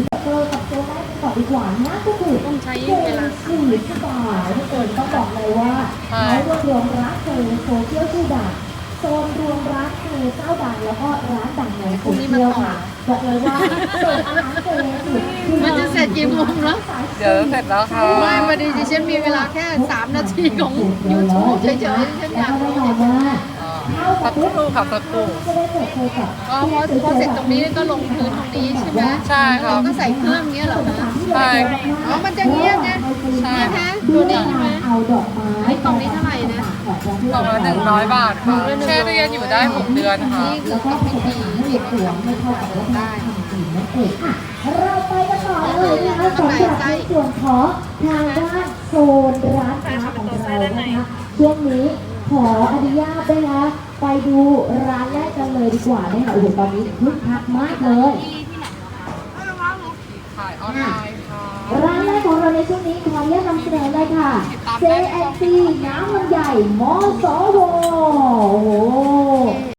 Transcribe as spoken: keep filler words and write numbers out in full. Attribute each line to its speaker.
Speaker 1: เจอกับตัวแรกก่อนดีกว่านะก็คือ
Speaker 2: ต้องใช้
Speaker 1: เจ
Speaker 2: เวลา
Speaker 1: สี่สิบบาททุกคนต้องบอกเลยว่า
Speaker 3: ใช่
Speaker 1: เขารวบรวมร้านเจโซเชียลชื่อดังโซนรวมร้านเจเจ้าดังแล้วก็ร้านดังในโซเชียลค่ะบอกเลยว่าเปิดอาหารเจสุด
Speaker 2: มันจะเสร็จกี่โมงแล้ว
Speaker 3: เดี๋ยวเสร็จแล้วค่ะ
Speaker 2: ไม่พอดีดิฉันมีเวลาแค่สามนาทีของ YouTube เฉยๆดิฉันอยาก
Speaker 1: แน่
Speaker 2: รู้
Speaker 1: นอนว่า
Speaker 3: สักครู่ค่ะสักครู่
Speaker 1: จะได้เปิดตัวกับ
Speaker 2: อ๋อพอพอเสร็จตรงนี้ก็ลงพื้นตรงนี้ใช่ไหม
Speaker 3: ใช่ครับ
Speaker 2: เราก็ใส่เครื่องเงี้ยเหรอคะ
Speaker 3: ใช่
Speaker 2: อ๋อมันจะเงี้ยนะ
Speaker 3: ใช่
Speaker 2: เนี่ยฮะตัวนี้ใช่ไหม
Speaker 1: เอาดอกไม้
Speaker 2: ไอ้กล่องนี้เท่าไหร่นะ
Speaker 3: กล่องละหนึ่งร้อยบาทค่ะแช่ตู้เย็นอยู่ได้หกเดือนค่ะ
Speaker 2: นี่คือ
Speaker 1: แล้วก็
Speaker 2: ทำ
Speaker 1: ผ
Speaker 2: พิ
Speaker 1: สม
Speaker 2: ธี
Speaker 1: ผสานให้
Speaker 2: ที่
Speaker 1: เด็กหลวงไม่เข้ากับวัฒนธรรมจีนนั่นเองอ่ะเราไปกันต่อเลยนะคะสำหรับในส่วนของทางด้านโซนร้านค้าของเรานะคะช่วงนี้ขออนุญาตนะคะไปดูร้านแรกกันเลยดีกว่านะคะโอ้โหตอนนี้คึกคักมากเลย
Speaker 3: ขายออนไลน์ค่ะ
Speaker 1: ร้านแรกของเราในช่วงนี้ขออนุญาตนำเสนอเลยค่ะ เจ แอนด์ ซี น้ำมันใหญ่มอสวโอ้โห